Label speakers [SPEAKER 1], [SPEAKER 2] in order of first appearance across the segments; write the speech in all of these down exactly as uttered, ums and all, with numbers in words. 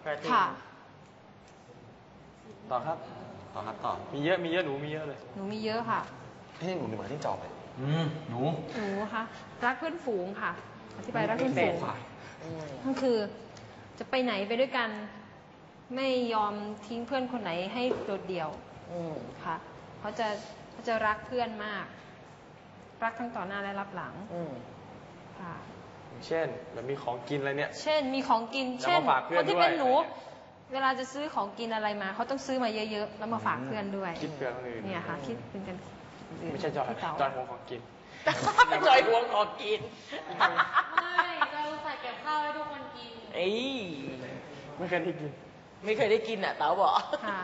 [SPEAKER 1] ค่ะ
[SPEAKER 2] ต่อครับต่อครับต่อมีเยอะมีเยอะหนูมีเยอะเลย
[SPEAKER 1] หนูมีเยอะค่ะ
[SPEAKER 3] เฮ้ยหนูหนูมาที่จอบเลย
[SPEAKER 2] อืมหนู
[SPEAKER 1] หนูคะรักเพื่อนฝูงค่ะอธิบายรักเพื่อนฝูงก็คือจะไปไหนไปด้วยกันไม่ยอมทิ้งเพื่อนคนไหนให้โดดเดี่ยวค่ะเขาจะเขาจะรักเพื่อนมากรักทั้งต่อหน้าและรับหลังค่ะ
[SPEAKER 2] เช่นแบบมีของกินอะไรเนี่ย
[SPEAKER 1] เช่นมีของกินเช่นคนที่เป็นหนูเวลาจะซื้อของกินอะไรมาเขาต้องซื้อมาเยอะๆแล้วมาฝากเพื่อนด้วย
[SPEAKER 2] คิดเพื่อนคนอื่น
[SPEAKER 1] เนี่ยค่ะคิดเป็นกัน
[SPEAKER 2] ไม่ใช่จอยจอยห่วงของกิน
[SPEAKER 4] จอยห่วงของกิน
[SPEAKER 1] ไม่จอยใส่เก็บข้าวให้ทุกคนกิน
[SPEAKER 4] เอ้ย
[SPEAKER 2] ไม่เคยได้กิน
[SPEAKER 4] ไม่เคยได้กินอ่ะเต๋าบอก
[SPEAKER 1] ค่ะ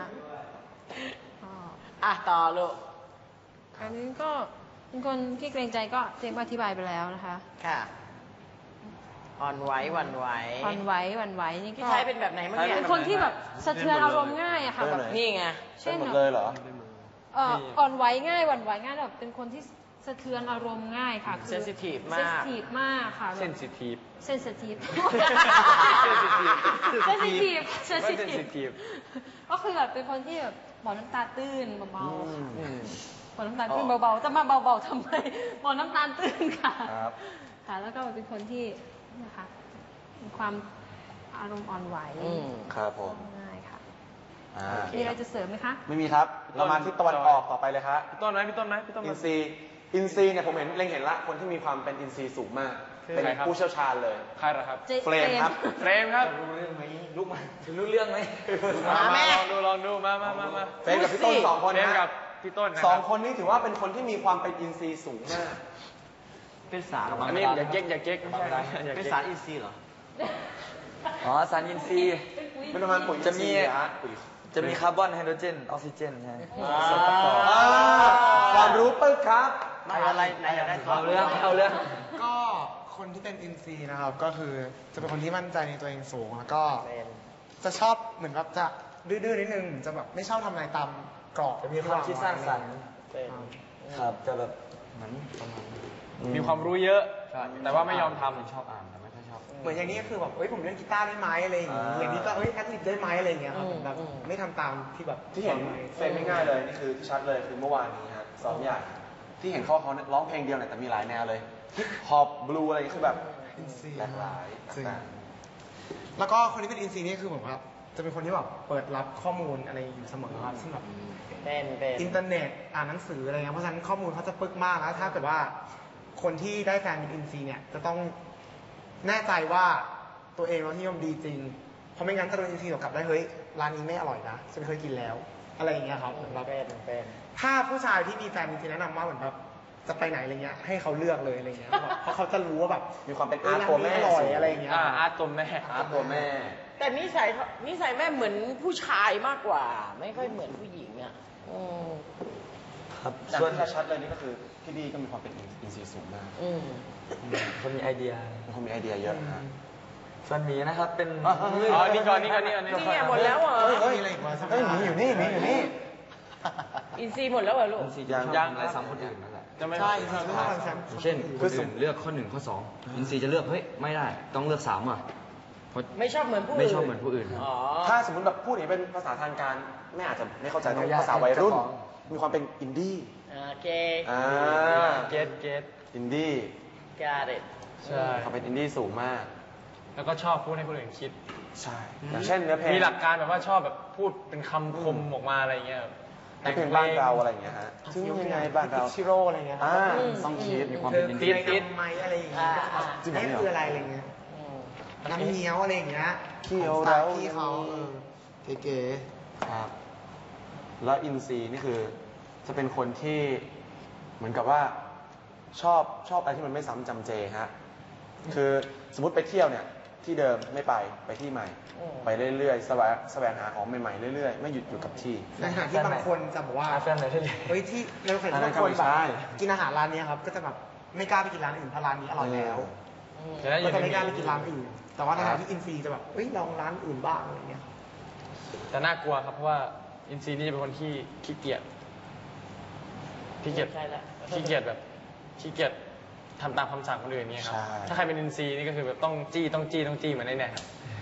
[SPEAKER 4] อ่ะต่อลูก
[SPEAKER 1] อันนี้ก็เป็นคนที่เกรงใจก็เจมส์อธิบายไปแล้วนะคะ
[SPEAKER 4] ค่ะอ่อนไหวหวั่นไหว
[SPEAKER 1] อ่อนไหวหวั่นไหวนี่ก็
[SPEAKER 4] พี่ชายเป็นแบบไหนเมื่อกี้
[SPEAKER 1] เป็นคนที่แบบสะเทือนอารมณ์ง่ายอะค่ะแบบ
[SPEAKER 4] นี่ไง
[SPEAKER 3] เช่นหมดเลยเหรอ
[SPEAKER 1] เอ่ออ่อนไหวง่ายหวั่นไหวง่ายแบบเป็นคนที่สะเทือนอารมณ์ง่ายค่ะ
[SPEAKER 4] เซนซิทีฟมาก
[SPEAKER 1] เซนซิทีฟมากค่ะ
[SPEAKER 2] เซนซิทีฟ
[SPEAKER 1] เซนซิทีฟ
[SPEAKER 2] เซนซิทีฟ
[SPEAKER 1] เซนซิทีฟเซนซิ
[SPEAKER 2] ทีฟ
[SPEAKER 1] ก็คือแบบเป็นคนที่แบบบอกน้ำตาตื้นเบาๆค่ะบอกน้ำตาตื้นเบาๆจะมาเบาๆทำไมบอกน้ำตาตื้นค่ะค่ะแล้วก็เป็นคนที่นะคะมีความอารมณ์อ่อนไหว
[SPEAKER 3] ครับผม
[SPEAKER 1] ง่ายค่ะมีอะไรจะเสริมไหมคะ
[SPEAKER 3] ไม่มีครับเรามาที่ตะวันออกต่อไปเลยครับ
[SPEAKER 2] พี่ต้นไหมพี่ต้นไหมพี่ต้น
[SPEAKER 3] อินซีอินซีเนี่ยผมเห็นเล็งเห็นละคนที่มีความเป็นอินซีสูงมากเป็นผู้เชี่ยวชาญเลย
[SPEAKER 2] ใครเหรอครับ
[SPEAKER 3] เฟรมครับ
[SPEAKER 2] เฟรมครับ
[SPEAKER 3] รู้เรื่องไหมลูกมา
[SPEAKER 2] รู้เรื่องไหม
[SPEAKER 4] มาแม่
[SPEAKER 2] ลองดูลองดูมามามามา
[SPEAKER 3] เฟรมกับพี่ต้นสองคน
[SPEAKER 2] นะกับพี่ต้น
[SPEAKER 3] สองคนนี้ถือว่าเป็นคนที่มีความเป็นอินซีสูงมาก
[SPEAKER 2] เป็นสารอันนี้อย่าเก๊กอย่าเก๊กไม่ใช่
[SPEAKER 3] เป็นสารอินซีเหรอ
[SPEAKER 5] อ๋อสารอินทรีย์
[SPEAKER 3] เป็นประมาณปุ๋ย
[SPEAKER 5] จะมีจะมีคาร์บอนไฮโดรเจนออกซิเจนใช่ส่วนประกอบ
[SPEAKER 3] ความรู้ปึ๊กครับ
[SPEAKER 4] ไหนอะไรไหนอยากได้
[SPEAKER 5] เอาเรื่องเอาเรื่อง
[SPEAKER 6] ก็คนที่เป็นอินซีนะครับก็คือจะเป็นคนที่มั่นใจในตัวเองสูงแล้วก็จะชอบเหมือนกับจะดื้อๆนิดนึงจะแบบไม่ชอบทำอะไรตามกรอบ
[SPEAKER 5] จะมีความคิดสร้างสรรค์ครับจะแบบเหมือนประมาณ
[SPEAKER 2] มีความรู้เยอะแต่ว่าไม่ยอมทำชอบอ่าน
[SPEAKER 6] เหมือนอย่างนี้ก็คือแบบเอ้ยผมเล่นกีตาร์ได้ไหมอะไรอย่างงี้อย่างนี้ก็เอ้ยแอดลิปได้ไหมอะไรอย่างเงี้ยครับแบบไม่ทำตามที่แบบ
[SPEAKER 3] ที่เห็นเฟรมง่ายๆเลยนี่คือที่ชัดเลยคือเมื่อวานนี้ครับซ้อมใหญ่ที่เห็นเขาเขาร้องเพลงเดียวเนี่ยแต่มีหลายแนวเลยฮิปฮอปบลูอะไรคือแบบหลากหลายต่าง
[SPEAKER 6] ๆแล้วก็คนที่เป็นอินซีนี่คือผมว่าจะเป็นคนที่แบบเปิดรับข้อมูลอะไรอยู่เสมอครับซึ่งแบบ
[SPEAKER 4] เป็นเป็น
[SPEAKER 6] อินเทอร์เน็ตอ่านหนังสืออะไรเงี้ยเพราะฉะนั้นข้อมูลเขาจะปึกมากแล้วถ้าเกิดว่าคนที่ได้แฟนเป็นอินซีเนี่ยจะต้องแน่ใจว่าตัวเองรสนิยมดีจริงเพราะไม่งั้นถ้าโดนอินซีตกลับได้เฮ้ยร้านนี้ไม่อร่อยนะฉันเคยกินแล้วอะไรอย่างเงี้ยครับ
[SPEAKER 4] แบบเป็น
[SPEAKER 6] ถ้าผู้ชายที่มีแฟนจริงๆแนะนำว่าเหมือนแบบจะไปไหนอะไรเงี้ยให้เขาเลือกเลยอะไรเงี้ยเพราะเขาจะรู้ว่าแบบ
[SPEAKER 3] มีความเป็นอาร์ตตัวแม่
[SPEAKER 6] อร่อยอะไรอย่างเงี้ย
[SPEAKER 2] อาร์ตตัวแม่
[SPEAKER 3] อาร์ตตัวแม่
[SPEAKER 4] แต่นิสัยนิสัยแม่เหมือนผู้ชายมากกว่าไม่ค่อยเหมือนผู้หญิงอ่ะ
[SPEAKER 3] ครับส่วนที่ชัดเลยนี่ก็คือพี่ดีก็มีความเป็นอินซีสูงมาก
[SPEAKER 5] คนมีไอเดีย
[SPEAKER 3] คนมีไอเดียเยอะฮะ
[SPEAKER 5] ส่วนหมีนะครับเป็น
[SPEAKER 2] อ๋อนี่ก่อนนี่ก่อนนี่ก่อน
[SPEAKER 4] นี่เนี่ยหมดแล้วเหรอ
[SPEAKER 6] เฮ้ยเฮ้ยหมีอยู่นี่หมีอยู่นี่
[SPEAKER 4] อินซีหมดแล้วเหรอลูก
[SPEAKER 5] อินซียังยังอะไรซ้ำคนอื่นนั่นแหละ
[SPEAKER 6] ใช่ครับ
[SPEAKER 5] เช่นคนอื่นเลือกข้อหนึ่งข้อสองอินซีจะเลือกเฮ้ยไม่ได้ต้องเลือกสามอ่ะ
[SPEAKER 4] ไม่ชอบเหมือนผู้อื่น
[SPEAKER 5] ไม่ชอบเหมือนผู้อื่น
[SPEAKER 3] ถ้าสมมติแบบพูดอย่างเป็นภาษาทางการไม่อาจจะไม่เข้าใจต้องภาษาวัยรุ่นมีความเป็นอินดี้
[SPEAKER 4] โอเค
[SPEAKER 3] อ่า
[SPEAKER 2] เกตเกต
[SPEAKER 3] อินดี้
[SPEAKER 4] got it
[SPEAKER 3] ใช่เขาเป็นอินดี้สูงมาก
[SPEAKER 2] แล้วก็ชอบพูดให้คนอื่นคิด
[SPEAKER 3] ใช่อย่างเช่นเนื้อเพลง
[SPEAKER 2] มีหลักการแบบว่าชอบแบบพูดเป็นคำคมออกมาอะไรเงี้ย
[SPEAKER 3] แต่เพลงบ้านเราอะไรเงี้ยฮะซึ่งยังไงบ้านเรา
[SPEAKER 6] ชิโร่อะไรเงี้ย
[SPEAKER 3] อ่าต้องคิดมีความเป็นอินดี้
[SPEAKER 6] ติดไหมอะไรอย่างเงี้ยนี่คืออะไรอะไรเงี้ยน้ำเงี้ยวอะไรอย่างเงี้ย
[SPEAKER 3] ขี้เขาแล้ว
[SPEAKER 6] ขี้เขาเก๋
[SPEAKER 3] ๆครับแล้วอินซีนี่คือจะเป็นคนที่เหมือนกับว่าชอบชอบอะไรที่มันไม่ซ้ำจำเจฮะคือสมมติไปเที่ยวเนี่ยที่เดิมไม่ไปไปที่ใหม่ไปเรื่อยๆแสวงแสวงหาของใหม่ๆเรื่อยๆไม่หยุดอยู่กับที่
[SPEAKER 6] ในขณะที่บางคนจะบอกว่า
[SPEAKER 5] แฟนไหนที่
[SPEAKER 6] เฮ้ยที่ในขณะที่บางคนแบบกินอาหารร้านนี้ครับก็จะแบบไม่กล้าไปกินร้านอื่นเพราะร้านนี้อร่อยแล้วก็จะไม่กล้าไปกินร้านอื่นแต่ว่าในขณะที่อินซีจะแบบเฮ้ยลองร้านอื่นบ้างอะไรเงี้ย
[SPEAKER 2] แต่น่ากลัวครับเพราะว่าอินซีนี่จะเป็นคนที่ขี้เกียจขี้เกียจขี้เกียจแบบขี้เกียจทำตามคำสั่งคนอื่นเนี่ยครับถ้าใครเป็นอินซีนี่ก็คือแบบต้องจี้ต้องจี้ต้องจี้เหมือนในเนี่ยครับ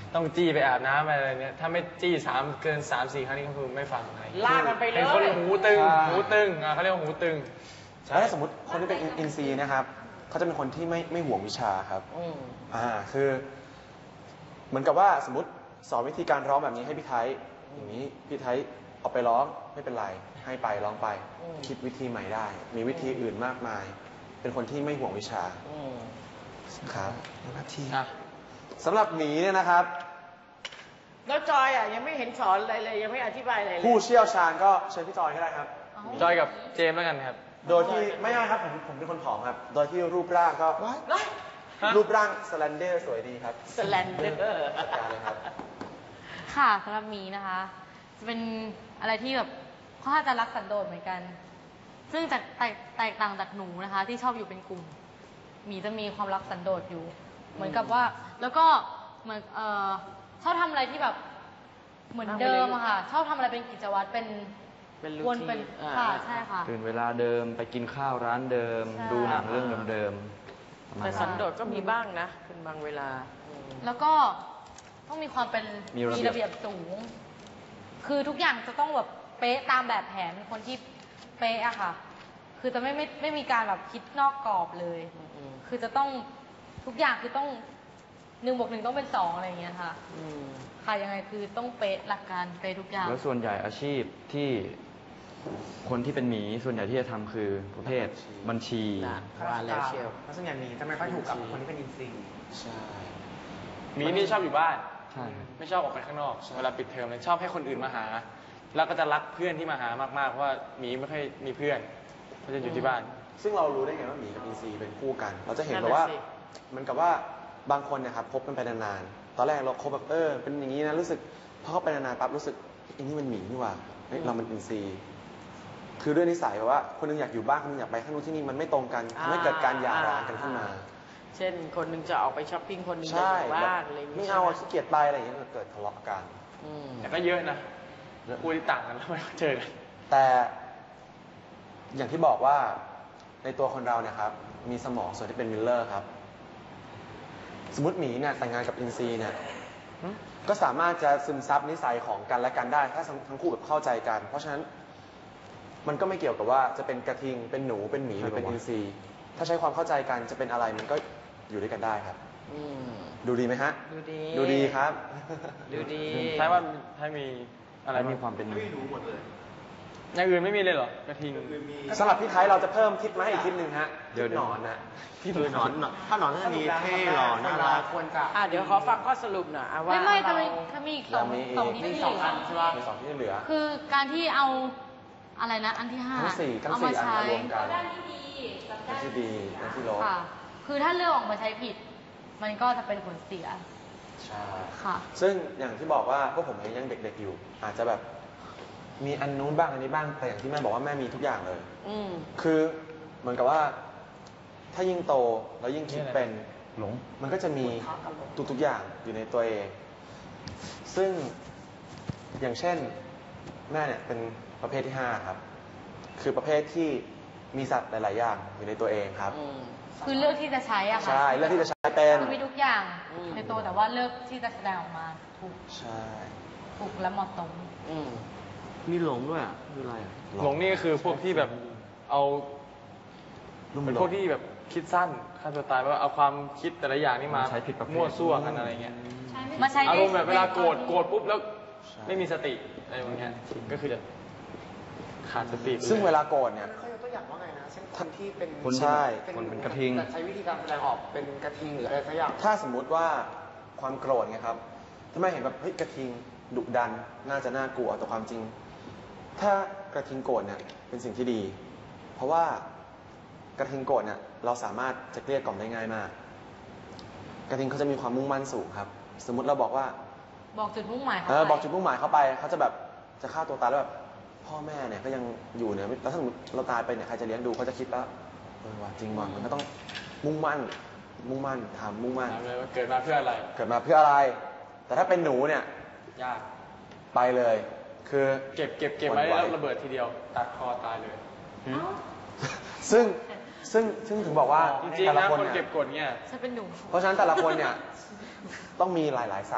[SPEAKER 2] ต้องจี้ไปอาบน้ำอะไรเนี่ยถ้าไม่จี้สามเกินสามสี่ครั้งนี้ก็คือไม่ฟังอะไร
[SPEAKER 4] ลากกันไปเลย
[SPEAKER 2] เป็นคนหูตึง
[SPEAKER 3] ใช่
[SPEAKER 2] หูตึงอ่ะเขาเรียกว่าหูตึง
[SPEAKER 3] แล้วถ้าสมมติคนที่เป็นอินซีนะครับเขาจะเป็นคนที่ไม่ไม่ห่วงวิชาครับ
[SPEAKER 4] อืม
[SPEAKER 3] อ่าคือ เหมือนกับว่าสมมติสอนวิธีการร้องแบบนี้ให้พี่ไทยอย่างนี้พี่ไทยเอาไปร้องไม่เป็นไรให้ไปร้องไป
[SPEAKER 4] อืม
[SPEAKER 3] คิดวิธีใหม่ได้ มีวิธีอื่นมากมาย เป็นคนที่ไม่ห่วงวิชา
[SPEAKER 4] อืม
[SPEAKER 3] ครับนาที
[SPEAKER 2] อ่ะ
[SPEAKER 3] สำหรับหมีเนี่ยนะครับ
[SPEAKER 4] แล้วจอยอ่ะยังไม่เห็นสอนอะไรเลยยังไม่อธิบายอะไรเลย
[SPEAKER 3] ผู้เชี่ยวชาญก็เชิญพี่จอยก็ได้ครับ
[SPEAKER 2] จอยกับเจมส์แล้วกันครับ
[SPEAKER 3] โดยที่ไม่ไม่ครับผมผมเป็นคนผอมครับ โดยที่รูปร่างก็
[SPEAKER 4] นะ
[SPEAKER 3] รูปร่างสแลนเดอร์สวยดีครับ
[SPEAKER 4] สแลนเดอร์
[SPEAKER 3] จัดการเลยครับ
[SPEAKER 1] ค่ะสำหรับหมีนะคะ จะเป็นอะไรที่แบบค่อนข้างจะรักสันโดษเหมือนกัน ซึ่งจากแตกแตกต่างจากหนูนะคะ ที่ชอบอยู่เป็นกลุ่มหมีจะมีความรักสันโดษอยู่ เหมือนกับว่า แล้วก็เหมือนเอ่อชอบทำอะไรที่แบบเหมือนเดิมอะค่ะ ชอบทำอะไรเป็นกิจวัตรเป็น
[SPEAKER 4] เป็นรู
[SPEAKER 1] วน
[SPEAKER 4] ที
[SPEAKER 1] เป็น
[SPEAKER 4] นอ่า
[SPEAKER 1] ค่ะใช่ค่ะ
[SPEAKER 5] ตื่นเวลาเดิมไปกินข้าวร้านเดิม
[SPEAKER 1] ใช่
[SPEAKER 5] ดูหนังเรื่องเดิมๆประมาณ
[SPEAKER 4] แต่
[SPEAKER 5] นั้น
[SPEAKER 4] สันโดษก็มีบ้างนะเป็นบางเวลาอืม
[SPEAKER 1] แล้วก็ต้องมีความเป็น
[SPEAKER 5] มีระเบียบ
[SPEAKER 1] ระเบียบสูง คือทุกอย่างจะต้องแบบเป๊ะตามแบบแผนเป็นคนที่เป๊ะอะค่ะ คือจะไม่ไม่ไม่มีการแบบคิดนอกกรอบเลย
[SPEAKER 4] อืม
[SPEAKER 1] คือจะต้องทุกอย่างคือต้องหนึ่งบวกหนึ่งต้องเป็นสองอะไรอย่างเงี้ยค่ะ
[SPEAKER 4] อืม
[SPEAKER 1] ค่ะยังไงคือต้องเป๊ะหลักการเป๊ะทุกอย่าง
[SPEAKER 5] แล้วส่วนใหญ่อาชีพที่คนที่เป็นหมีส่วนใหญ่ที่จะทำคือประเภทบัญชี
[SPEAKER 4] น่ะว่าแล้วเชียว
[SPEAKER 6] เพราะส่วนใหญ่หมีจะไม่ค่อยถูกกับคนที่เป็นอินซี
[SPEAKER 3] ใช่
[SPEAKER 2] หมีนี่ชอบอยู่บ้าน
[SPEAKER 5] ใช่ครับ
[SPEAKER 2] ไม่ชอบออกไปข้างนอก เวลาปิดเทอมเลยชอบให้คนอื่นมาหา แล้วก็จะรักเพื่อนที่มาหามากๆ เพราะว่าหมีไม่ค่อยมีเพื่อนเขาจะอยู่ที่บ้าน
[SPEAKER 3] ซึ่งเรารู้ได้ไงว่าหมีกับอินซีเป็นคู่กัน เราจะเห็น
[SPEAKER 4] นั่
[SPEAKER 3] แบ
[SPEAKER 4] น
[SPEAKER 3] บ
[SPEAKER 4] น่ะ
[SPEAKER 3] ว่า
[SPEAKER 4] สิ
[SPEAKER 3] เหมันกับว่าบางคนเนะครับคบกันไปนานๆ ตอนแรกเราคบแบบเออเป็นอย่างนี้นะรู้สึกพอเข้าไปนานๆปั๊บรู้สึกอันนี้มันหมีนี่หว่าเฮ้ยเรามันอินซีคือด้วยนิสัยแบบว่าคนหนึงอยากอยู่บ้านคนหนึงอยากไปข้างนู้นที่นี่มันไม่ตรงกันทำให้เกิดการหย่าร้างกันขึ้นมา
[SPEAKER 4] เช่นคนหนึ่งจะออกไปช้อปปิ้งคนหนึ่งจะ
[SPEAKER 3] ใช่
[SPEAKER 4] อยู่
[SPEAKER 3] แบบ
[SPEAKER 4] บ้านอะไรอย่าง
[SPEAKER 3] ไม่
[SPEAKER 4] งี้
[SPEAKER 3] เอาอะ
[SPEAKER 4] ใช่
[SPEAKER 3] ขี้เกียจไปอะไรอย่างเงี้ยเกิดทะเลาะกัน
[SPEAKER 4] อืม
[SPEAKER 2] แต่ก็เยอะนะคู่ที่ต่างกันแล้วไม่เจอกัน
[SPEAKER 3] แต่อย่างที่บอกว่าในตัวคนเราเนี่ยครับมีสมองส่วนที่เป็นมิลเลอร์ครับ สมมติหมีเนี่ยแต่งงานกับอินซีเนี่ยก็สามารถจะซึมซับนิสัยของกันและกันได้ ถ้าทั้งคู่แบบเข้าใจกัน เพราะฉะนั้นมันก็ไม่เกี่ยวกับว่าจะเป็นกระทิงเป็นหนูเป็นหมีหรือเป็นอินซีถ้าใช้ความเข้าใจกันจะเป็นอะไรมันก็อยู่ด้วยกันได้ครับ
[SPEAKER 4] อืม
[SPEAKER 3] ดูดีไหมฮะ
[SPEAKER 4] ดูดี
[SPEAKER 3] ดูดีครับ
[SPEAKER 4] ดูดี
[SPEAKER 2] ใช่ว่าถ้ามีอะไร
[SPEAKER 5] และมีความเป็นหมี
[SPEAKER 2] อย่างอื่นไม่มีเลยเหรอ กระทิง
[SPEAKER 3] สำหรับพี่ไทยเราจะเพิ่มทิปมาให้อีกทิปหนึ่งฮะ
[SPEAKER 5] เดี๋ยว
[SPEAKER 3] ทิปหนอนนะ
[SPEAKER 7] คือหนอนถ้าหนอนน่าจะมีเท่หล่อน่ารัก
[SPEAKER 6] ควรจะ
[SPEAKER 4] อ่ะเดี๋ยวขอฟังข้อสรุปหน่อยอ่ะว่า
[SPEAKER 1] ไม่ไม่จะ
[SPEAKER 4] เรา
[SPEAKER 1] มีจะมีอีกสอง
[SPEAKER 3] เรามีอีก
[SPEAKER 1] สองที่
[SPEAKER 6] มี
[SPEAKER 1] ที่
[SPEAKER 6] สองอันใช่ปะ
[SPEAKER 3] มีสองที่เหลือ
[SPEAKER 1] คือการที่เอาอะไรนะอันที่ห้า
[SPEAKER 3] ทั้งสี่ทั้ง
[SPEAKER 1] เอา
[SPEAKER 3] สี่
[SPEAKER 1] มา
[SPEAKER 3] อัน
[SPEAKER 1] ใช้
[SPEAKER 3] มารวมกัน
[SPEAKER 1] ด้านที่ดีกับ
[SPEAKER 3] ทั้
[SPEAKER 1] ด้างน
[SPEAKER 3] ที่ดีทั้งที่ลบ
[SPEAKER 1] ค่ะ คือถ้าเลือกออกมาใช้ผิด มันก็จะเป็นผลเสีย
[SPEAKER 3] ใช่
[SPEAKER 1] ค่ะ
[SPEAKER 3] ซึ่งอย่างที่บอกว่าพวกผมเองยังเด็กๆอยู่ อาจจะแบบมีอันนู้นบ้างอันนี้บ้างแต่อย่างที่แม่บอกว่าแม่มีทุกอย่างเลย
[SPEAKER 4] อืม
[SPEAKER 3] คือเหมือนกับว่าถ้ายิ่งโตแล้วยิ่งคิดเป็น
[SPEAKER 5] หลง
[SPEAKER 3] มันก็จะมีทุกๆอย่างอยู่ในตัวเอง ซึ่งอย่างเช่นแม่เนี่ยเป็นประเภทที่ห้าครับ คือประเภทที่มีสัตว์หลาย ๆ อย่างอยู่ในตัวเองครับ
[SPEAKER 4] อืม
[SPEAKER 1] คือเลือกที่จะใช้อะค่ะ
[SPEAKER 3] ใช่เลือกที่จะใช้เป็น
[SPEAKER 1] คือมีทุกอย่าง
[SPEAKER 4] อืม
[SPEAKER 1] ในตัวแต่ว่าเลือกที่จะแสดงออกมาถูก
[SPEAKER 3] ใช่
[SPEAKER 1] ถูกและเหมาะสม
[SPEAKER 4] อืม
[SPEAKER 7] มีหลงด้วยอ่ะคืออะไรอ่ะ
[SPEAKER 2] หลงนี่ก็คือพวกที่แบบเอาเป็นพวกที่แบบคิดสั้นฆ่าตัวตายเพราะว่าเอาความคิดแต่ละอย่างนี่มา
[SPEAKER 5] ใช้ผิดประเภท
[SPEAKER 2] มั่วซั่วกันอะไรเงี้ย
[SPEAKER 1] มาใช้
[SPEAKER 2] อารมณ์แบบเวลาโกรธ
[SPEAKER 1] ใน
[SPEAKER 2] โกรธปุ๊บแล้วไม่มีสติอะไรอย่างเงี้ยก็คือจะขาดสติ
[SPEAKER 3] ซึ่งเวลาโกรธเนี่ย
[SPEAKER 6] เขายกตัวอย่างว่าไงนะเช่นคนที่เป็น
[SPEAKER 5] คนที่
[SPEAKER 3] ใช่
[SPEAKER 5] คนเป็นกระทิง
[SPEAKER 6] แต่ใช้วิธีการแสดงออกเป็นกระทิงหรืออะไรสักอย่าง
[SPEAKER 3] ถ้าสมมุติว่าความโกรธไงครับถ้าไม่เห็นแบบเฮ้ยกระทิงดุดันน่าจะน่ากลัวแต่ความจริง ถ้ากระทิงโกรธเนี่ยเป็นสิ่งที่ดี เพราะว่ากระทิงโกรธเนี่ยเราสามารถจะเกลี้ยกล่อมได้ง่ายมาก กระทิงเขาจะมีความมุ่งมั่นสูงครับ สมมุติเราบอกว่า
[SPEAKER 1] บอกจุดมุ่งหมายเขา
[SPEAKER 3] เออ
[SPEAKER 1] ไป
[SPEAKER 3] บอกจุดมุ่งหมายเขาไปเขาจะแบบจะฆ่าตัวตายแล้วแบบพ่อแม่เนี่ยก็ยังอยู่เนี่ยแล้วถ้าสมมติเราตายไปเนี่ยใครจะเลี้ยงดูเขาจะคิดแล้วเออว่าจริงว่ะมันก็ต้องมุ่งมั่น มุ่งมั่นทำมุ่งมั่น
[SPEAKER 2] ถามเลยว่าเกิดมาเพื่ออะไร
[SPEAKER 3] เกิดมาเพื่ออะไร แต่ถ้าเป็นหนูเนี่ย
[SPEAKER 2] ยาก
[SPEAKER 3] ไปเลย คือ
[SPEAKER 2] เก็บเก็บเก็บไว้แล้วระเบิดทีเดียว ตัดคอตายเลย
[SPEAKER 3] ซึ่งซึ่งซึ่งถึงบอกว่า
[SPEAKER 2] จริง
[SPEAKER 3] แต่
[SPEAKER 2] ๆ
[SPEAKER 3] ละ
[SPEAKER 2] นะ
[SPEAKER 3] คน
[SPEAKER 2] คน
[SPEAKER 3] เนี่
[SPEAKER 2] เก็
[SPEAKER 3] ย
[SPEAKER 2] บกดเนี่ย
[SPEAKER 1] ฉันเป็นหนู
[SPEAKER 3] เพราะฉะนั้นแต่ละคนเนี่ยต้องมีหลาย ๆ สัตว์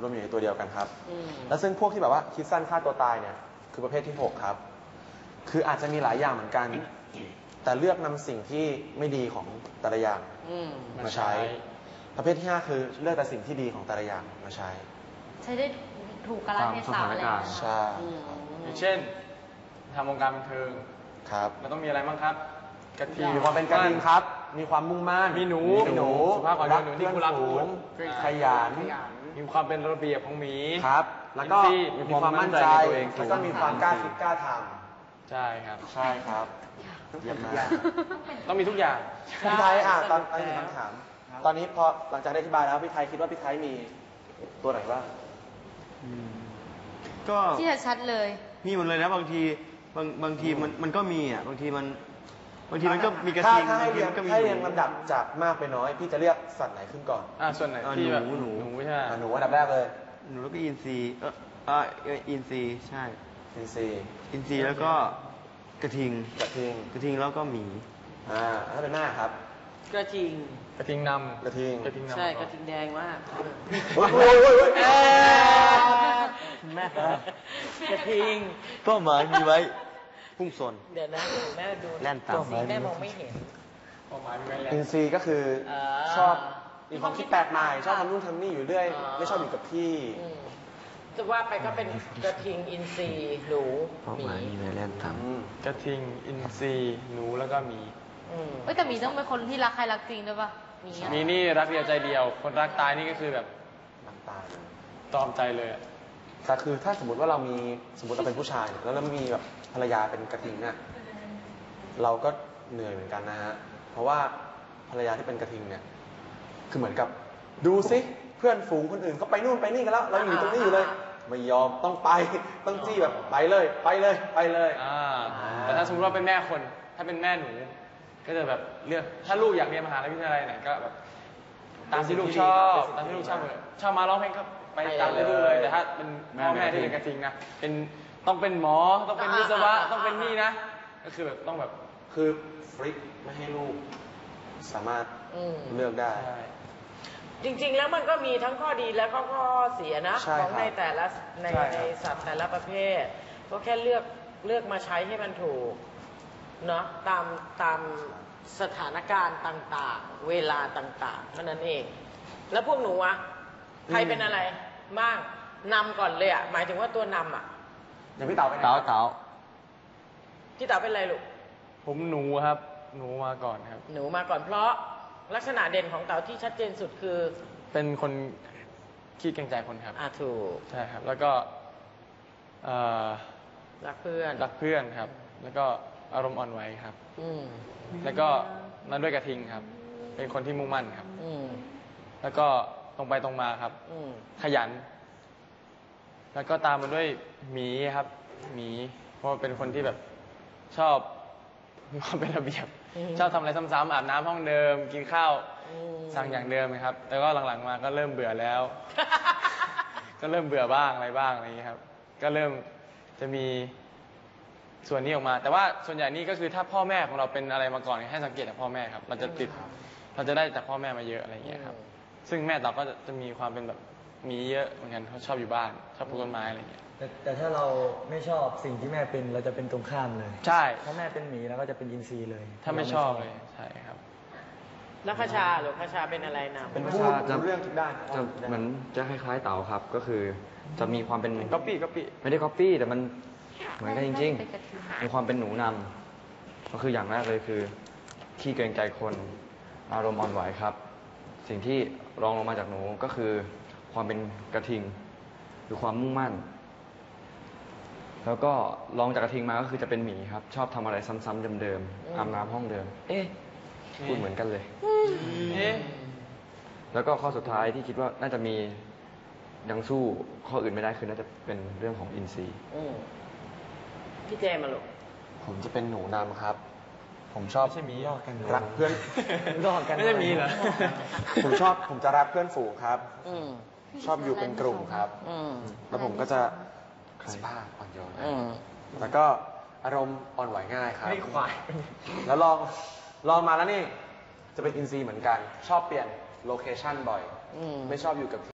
[SPEAKER 3] รวมอยู่ในตัวเดียวกันครับ
[SPEAKER 4] อืม
[SPEAKER 3] แล้วซึ่งพวกที่แบบว่าคิดสั้นฆ่าตัวตายเนี่ยคือประเภทที่หกครับ คืออาจจะมีหลายอย่างเหมือนกัน แต่เลือกนำสิ่งที่ไม่ดีของแต่ละอย่าง
[SPEAKER 4] อืม
[SPEAKER 3] มาใช้ ประเภทที่ห้าคือเลือกแต่สิ่งที่ดีของแต่ละอย่างมาใช้
[SPEAKER 1] ใช้ได้ถูกกาลเทศะอะไรอย่างเงี้ย
[SPEAKER 3] ใช่
[SPEAKER 4] อืม
[SPEAKER 2] อย่างเช่นทำวงการบันเทิง
[SPEAKER 3] ครับ
[SPEAKER 2] เราต้องมีอะไรบ้างครับกระทิง
[SPEAKER 3] มีความเป็นกระทิงครับ มีความมุ่งมั่น
[SPEAKER 2] มีหนู
[SPEAKER 3] มีหนู
[SPEAKER 2] สุภาพอ่อนโยนหนูที่
[SPEAKER 3] เพื่
[SPEAKER 2] คุณ
[SPEAKER 3] อ
[SPEAKER 2] รั
[SPEAKER 3] น
[SPEAKER 2] ก
[SPEAKER 3] ฝูง
[SPEAKER 2] พูด
[SPEAKER 3] ขยัน
[SPEAKER 2] มีความเป็นระเบียบของหมี
[SPEAKER 3] ครับ แล้วก็
[SPEAKER 2] อินทรีย์
[SPEAKER 3] มีความมั่นใจ
[SPEAKER 5] มีความมั่นใจในตัวเองสูง
[SPEAKER 3] แล้วก็มีความกล้าคิดกล้าท
[SPEAKER 2] ใช่ครับ
[SPEAKER 3] ำใช่ครับเยี่ยมมาก
[SPEAKER 2] ต้องมีทุกอย่าง
[SPEAKER 3] พี่ไทยอ่ะตอนตอนนี้คำถาม ตอนนี้พอหลังจากได้อธิบายแล้วพี่ไทยคิดว่าพี่ไทยมีตัวไหนบ้าง
[SPEAKER 7] ก็
[SPEAKER 1] ที่จะชัดเลย
[SPEAKER 7] มีหมดเลยนะบางทีบางบางทีมันมันก็มีอ่ะบางทีมันบางทีมันก็มีกระ
[SPEAKER 3] ถ้า
[SPEAKER 7] ทิง
[SPEAKER 3] ถ้าให้
[SPEAKER 7] บางที
[SPEAKER 3] เรียง
[SPEAKER 7] มันก็มี
[SPEAKER 3] ให้เรียง
[SPEAKER 7] หนู
[SPEAKER 3] ลำดับจากมากไปน้อย พี่จะเรียกสัตว์ไหนขึ้นก่อน
[SPEAKER 2] อ่าส่วนไหน
[SPEAKER 7] อ่า
[SPEAKER 2] ที่แบบ
[SPEAKER 7] หนูหนู
[SPEAKER 2] หนูใช่ไหม
[SPEAKER 3] อ่ะหนูอันดับแรกเลย
[SPEAKER 7] หนูแล้วก็อินทรีเออเอ่ออินทรีใช่
[SPEAKER 3] อินซี
[SPEAKER 7] อินทรีแล้วก็กระทิง
[SPEAKER 3] กระทิง
[SPEAKER 7] กระทิงแล้วก็หมี
[SPEAKER 3] อ่าถ้าเป็นหน้าครับ
[SPEAKER 4] กระทิง
[SPEAKER 2] กระทิงนำ
[SPEAKER 3] กระทิง
[SPEAKER 2] กระทิงนำ
[SPEAKER 4] ใช่กระทิงแดงมาก
[SPEAKER 3] โอ้ยโอ้ยโอ้ยโอ้ย
[SPEAKER 4] เอ้ย
[SPEAKER 7] แม่
[SPEAKER 4] กระทิง
[SPEAKER 7] เป้าหมายมีไว้พุ่งชน
[SPEAKER 4] เดี๋ยวนะแม่ดู
[SPEAKER 7] แล่นตาม
[SPEAKER 4] สีแม่มองไม่เห็น
[SPEAKER 2] ความหมายมีไว้แล้ว
[SPEAKER 3] อินซีก็คืออา ชอบมีความคิดแปลกใหม่ ชอบทำนู่นทำนี่อยู่เรื่อย
[SPEAKER 4] อ่า
[SPEAKER 3] ไม่ชอบอยู่กับที่
[SPEAKER 4] อืมจะว่าไปก็เป็นกระทิงอินทรีหนู
[SPEAKER 7] เป้า
[SPEAKER 4] หมี
[SPEAKER 7] หมายมีไว้แล่นตาม
[SPEAKER 3] อืม
[SPEAKER 2] กระทิงอินทรีหนูแล้วก็หมี
[SPEAKER 4] อืม
[SPEAKER 1] เอ้ยแต่หมีต้องเป็นคนที่รักใครรักจริงด้วยป่ะหมีอะ
[SPEAKER 2] มีนี่รักเดียวใจเดียว คนรักตายนี่ก็คือแบบ
[SPEAKER 3] น้ำตาล
[SPEAKER 2] ตอมใจเลยอะ
[SPEAKER 3] แต่คือถ้าสมมติว่าเรามีสมมติเราเป็นผู้ชายเนี่ยแล้วเรามีแบบภรรยาเป็นกระทิงเนี่ยเราก็เหนื่อยเหมือนกันนะฮะ เพราะว่าภรรยาที่เป็นกระทิงเนี่ย คือเหมือนกับดูซิเพื่อนฝูงคนอื่นเขาไปนู่นไปนี่กันแล้ว เราอยู่ตรงนี้อยู่เลย ไม่ยอมต้องไปต้องจี้แบบไปเลยไปเลยไปเลย
[SPEAKER 2] อ่าแต่ถ้าสมมติว่าเป็นแม่คน ถ้าเป็นแม่หนู ก็จะแบบเลือกถ้าลูกอยากเรียนมหาวิทยาลัยไหนก็แบบตามที่ลูกชอบตามที่ลูกชอบเลยชอบมาร้องเพลงก็ไปตามที่ลูกเลย แต่ถ้าเป็นพ่อแม่ที่เป็นกระทิงนะเป็นต้องเป็นหมอต้องเป็นวิศวะต้องเป็นนี่นะ ก็คือแบบต้องแบบ
[SPEAKER 3] คือฟริกไม่ให้ลูกสามารถ
[SPEAKER 4] อืม
[SPEAKER 3] เลือกได้
[SPEAKER 2] ใช่
[SPEAKER 4] จริงๆ แล้วมันก็มีทั้งข้อดีและก็ข้อเสียนะ
[SPEAKER 3] ใช่
[SPEAKER 4] ของ
[SPEAKER 3] ครับ
[SPEAKER 4] ในแต่ละใน
[SPEAKER 2] ใช่ครับ
[SPEAKER 4] ในสัตว์แต่ละประเภท ก็แค่เลือกเลือกมาใช้ให้มันถูกเนาะตามตามสถานการณ์ต่างๆ เวลาต่างๆเท่านั้นเอง แล้วพวกหนูอะใครเป็นอะไรบ้างนำก่อนเลยอะหมายถึงว่าตัวนำอะ
[SPEAKER 3] อย่างพี่เต๋าไปไหน
[SPEAKER 7] เต๋า
[SPEAKER 3] ครับ
[SPEAKER 7] เต๋า
[SPEAKER 4] พี่เต๋าเป็นอะไรลูก
[SPEAKER 2] ผมหนูครับ หนูมาก่อนครับ
[SPEAKER 4] หนูมาก่อนเพราะลักษณะเด่นของเต๋าที่ชัดเจนสุดคือ
[SPEAKER 2] เป็นคนขี้เกรงใจคนครับ
[SPEAKER 4] อ่าถูก
[SPEAKER 2] ใช่ครับ แล้วก็เอ่อ
[SPEAKER 4] รักเพื่อน
[SPEAKER 2] รักเพื่อนครับ แล้วก็อารมณ์อ่อนไหวครับ
[SPEAKER 4] อืม
[SPEAKER 2] แล้วก็นั่นด้วยกระทิงครับ เป็นคนที่มุ่งมั่นครับ
[SPEAKER 4] อืม
[SPEAKER 2] แล้วก็ตรงไปตรงมาครับ
[SPEAKER 4] อืม
[SPEAKER 2] ขยัน แล้วก็ตามมาด้วยหมีครับ หมี เพราะว่าเป็นคนที่แบบชอบมีความเป็นระเบียบ
[SPEAKER 4] อืม
[SPEAKER 2] ชอบทำอะไรซ้ำๆอาบน้ำห้องเดิม กินข้าว
[SPEAKER 4] อืม
[SPEAKER 2] สั่งอย่างเดิมครับ แต่ก็หลังๆมาก็เริ่มเบื่อแล้ว ก็เริ่มเบื่อบ้างอะไรบ้างอะไรอย่างนี้ยครับ ก็เริ่มจะมีส่วนนี้ออกมา แต่ว่าส่วนใหญ่นี่ก็คือถ้าพ่อแม่ของเราเป็นอะไรมาก่อนให้สังเกตจากพ่อแม่ครับ เราจะติด เราจะได้จากพ่อแม่มาเยอะอะไรอย่างเงี้ยครับ ซึ่งแม่เราก็จะจะมีความเป็นแบบมีเยอะเหมือนกันเขาชอบอยู่บ้าน ชอบปลูกต้นไม้อะไรอย่างเงี้ย
[SPEAKER 8] แต่แต่ถ้าเราไม่ชอบสิ่งที่แม่เป็นเราจะเป็นตรงข้ามเลย
[SPEAKER 2] ใช่
[SPEAKER 8] ถ้าแม่เป็นหมีเราก็จะเป็นอินทรีเลย
[SPEAKER 2] ถ้าไม่ชอบเลย ใช่ครับ
[SPEAKER 4] แล้วคชาหรือคชาเป็นอะไรนำ
[SPEAKER 3] เป็นผู้รู้เรื่องทุกด้าน
[SPEAKER 5] จะเหมือนจะคล้ายๆเต๋าครับ ก็คือจะมีความเป็น
[SPEAKER 2] ก๊อปปี้ก๊อปปี้
[SPEAKER 5] ไม่ได้ก๊อปปี้แต่มันเหมือนกันจริง
[SPEAKER 1] เป็นกระทิง
[SPEAKER 5] ๆ มีความเป็นหนูนำก็คืออย่างแรกเลยคือขี้เกรงใจคนอารมณ์อ่อนไหวครับ สิ่งที่รองลงมาจากหนูก็คือความเป็นกระทิงคือความมุ่งมั่น แล้วก็รองจากกระทิงมาก็คือจะเป็นหมีครับ ชอบทำอะไรซ้ำๆเดิมๆอาบน้ำห้องเดิม เอ๊ะพูดเหมือนกันเลย
[SPEAKER 2] เอ๊ะ
[SPEAKER 5] แล้วก็ข้อสุดท้ายที่คิดว่าน่าจะมียังสู้ข้ออื่นไม่ได้คือน่าจะเป็นเรื่องของอินทรีย์
[SPEAKER 4] อืมพี่เจมาลูก
[SPEAKER 3] ผมจะเป็นหนูนำครับ ผมชอบ
[SPEAKER 2] ไม่ใช่หมี
[SPEAKER 8] ลอกกัน
[SPEAKER 3] รักเพื่อน
[SPEAKER 8] ลอกกัน
[SPEAKER 2] ไม่ใช่หมีเหรอ
[SPEAKER 3] ผมชอบผมจะรักเพื่อนฝูงครับ
[SPEAKER 4] อืม
[SPEAKER 3] ชอบอยู่เป็นกลุ่มครับ
[SPEAKER 4] อืม
[SPEAKER 3] แล้วผมก็จะสุภาพอ่อนโยน
[SPEAKER 4] อืม
[SPEAKER 3] แล้วก็อารมณ์อ่อนไหวง่ายครับ
[SPEAKER 2] ไม่ควาย
[SPEAKER 3] แล้วลองลองมาแล้วนี่ จะเป็นอินซีย์เหมือนกัน ชอบเปลี่ยนโลเคชั่นบ่อย
[SPEAKER 4] อืม
[SPEAKER 3] ไม่ชอบอยู่กับ